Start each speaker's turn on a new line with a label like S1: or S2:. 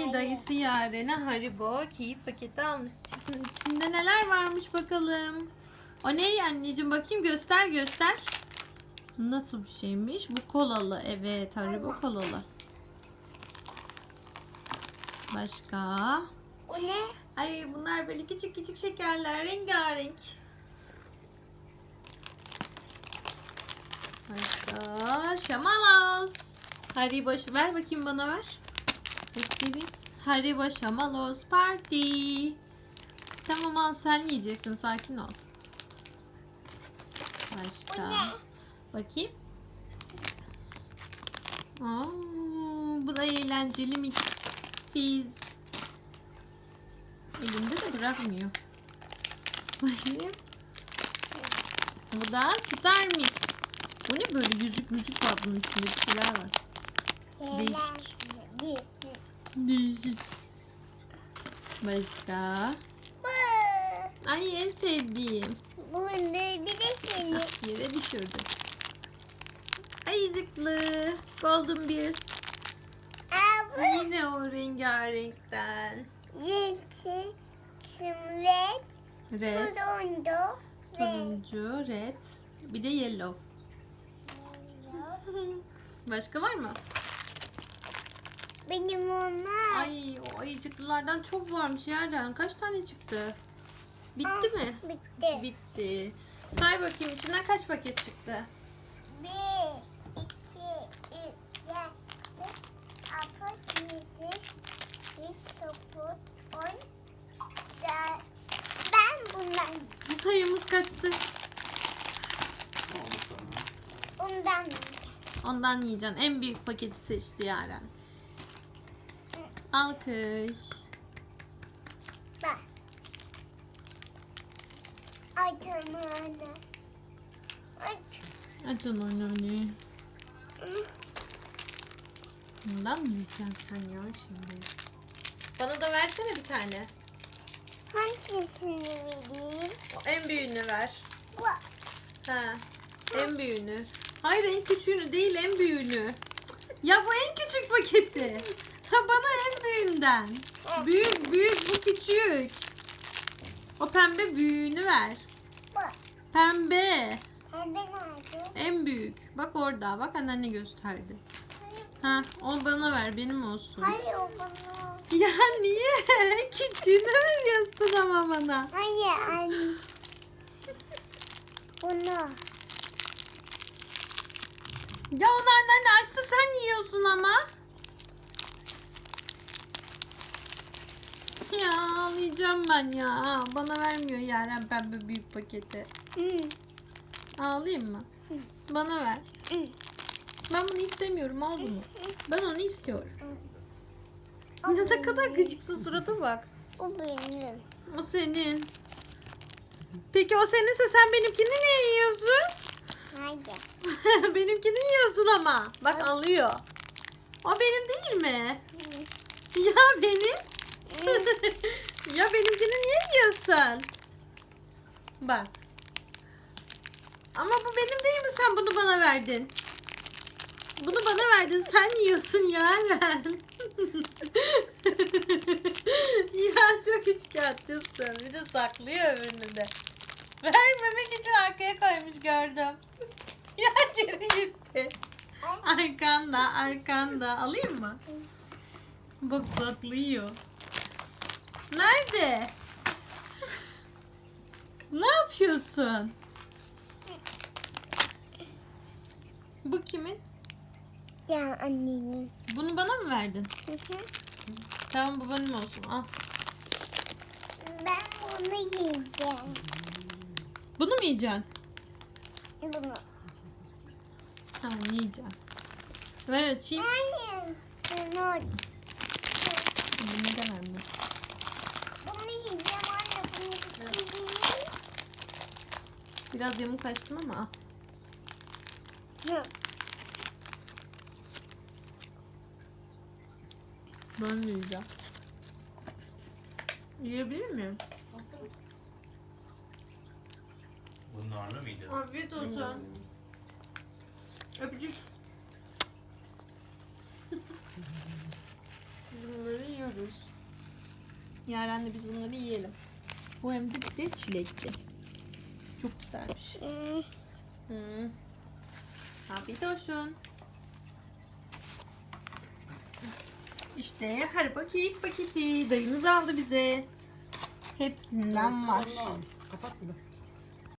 S1: dayısı Yaren'e Haribo keyif paketi almış. İçinde neler varmış bakalım. O ne anneciğim, bakayım, göster göster. Nasıl bir şeymiş? Bu kolalı. Evet, Haribo kolalı. Başka?
S2: O ne?
S1: Ay, bunlar böyle küçük küçük şekerler, rengarenk. Başka? Şamalos. Haribo, ver bakayım, bana ver. Göstereyim. Haribo Şamalos Party. Tamam, al, sen yiyeceksin, sakin ol. Başka?
S2: O ne?
S1: Bakayım. Oo, bu da eğlenceli mix. Biz. Elimde de bırakmıyor. Bakayım. Bu da Star Mix. Bu ne böyle, yüzük müzik var bunun içinde, bir şeyler var. Değişik. Değişik. Başka? Ay, en sevdiğim.
S2: Bu ne? Bir de seni.
S1: Yere düşürdüm. Ayıcıklı. Golden Bears.
S2: Bu
S1: Yine o rengarenkten.
S2: yeti, simret,
S1: Red.
S2: turuncu,
S1: Turuncu, red. Bir de yellow. Başka var mı?
S2: benim onlar.
S1: Ay, o ayıcıklılardan çok varmış yerden. Kaç tane çıktı? Bitti mi?
S2: Bitti.
S1: Bitti. Say bakayım, içinden kaç paket çıktı?
S2: 1, 2, 3, 4, 5, 6, 7, 8, 9, 10. Ben bundan,
S1: Sayımız kaçtı?
S2: ondan.
S1: Ondan yiyeceksin. En büyük paketi seçti Yaren. Alkış.
S2: Bak. Ay canım anne. Ay.
S1: Açın onu. Bundan mı yiyeceksin sen ya şimdi? Bana da versene bir tane.
S2: Hangisini vereyim?
S1: O en büyüğünü ver.
S2: Bak.
S1: Ha, en büyüğünü. Hayır, en küçüğünü değil, en büyüğünü. Ya bu en küçük paketi. Ha, bana en büyüğünden. Büyük büyük, bu küçük. O pembe büyüğünü ver.
S2: Bak.
S1: Pembe.
S2: Pembe nerede?
S1: En büyük. Bak orada. Bak, anneanne gösterdi. Ha, o bana ver, benim olsun.
S2: Hayır o bana.
S1: Ya niye? Küçüğünü veriyorsun ama bana.
S2: Hayır anne. Bunu.
S1: Ya onu anneanne açtı, sen yiyorsun ama. Ya ağlayacağım ben ya. Bana vermiyor Yaren pembe büyük paketi. Ağlayayım mı? Bana ver. Ben bunu istemiyorum, al bunu. Ben onu istiyorum. Ne kadar gıcıksın, surata bak.
S2: O benim.
S1: O senin. Peki o seninse sen benimkini niye yiyorsun?
S2: Hayır.
S1: Benimkini yiyorsun ama. Bak, alıyor. O benim değil mi? Ya benim. Ya benimkini niye yiyorsun? Bak. Ama bu benim değil mi? Sen bunu bana verdin. Bunu bana verdin. Sen yiyorsun Yaren. Ya çok içkiyatçısın. Bir de saklıyor öbürünü de. Vermemek için arkaya koymuş, gördüm. Ya geri gitti. Arkanda, arkanda. Alayım mı? Bak, saklıyor. Nerede? Ne yapıyorsun? Bu kimin?
S2: Ya annemin.
S1: Bunu bana mı verdin? Tamam, bu benim olsun. Al.
S2: Ben bunu yiyeceğim.
S1: Bunu mu yiyeceksin?
S2: Bunu.
S1: Tamam, yiyeceğim. Ver açayım.
S2: Hayır. Bunu.
S1: Bunu neden anne?
S2: Bunu yiyeceğim anne. Bunu yiyeceğim.
S1: Biraz yamuk açtım ama al. Ben de yiyeceğim. Yiyebilir miyim?
S3: Bu narlı mıydı?
S1: Afiyet olsun. Öpücük. Bunları yiyoruz. yiyoruz. Yaren'le biz bunları yiyelim. Bu hem de bir de çilekli. Çok güzelmiş. Hı. Afiyet olsun. İşte Haribo keyif paketi. Dayımız aldı bize. Hepsinden var.
S4: Kapat bir de.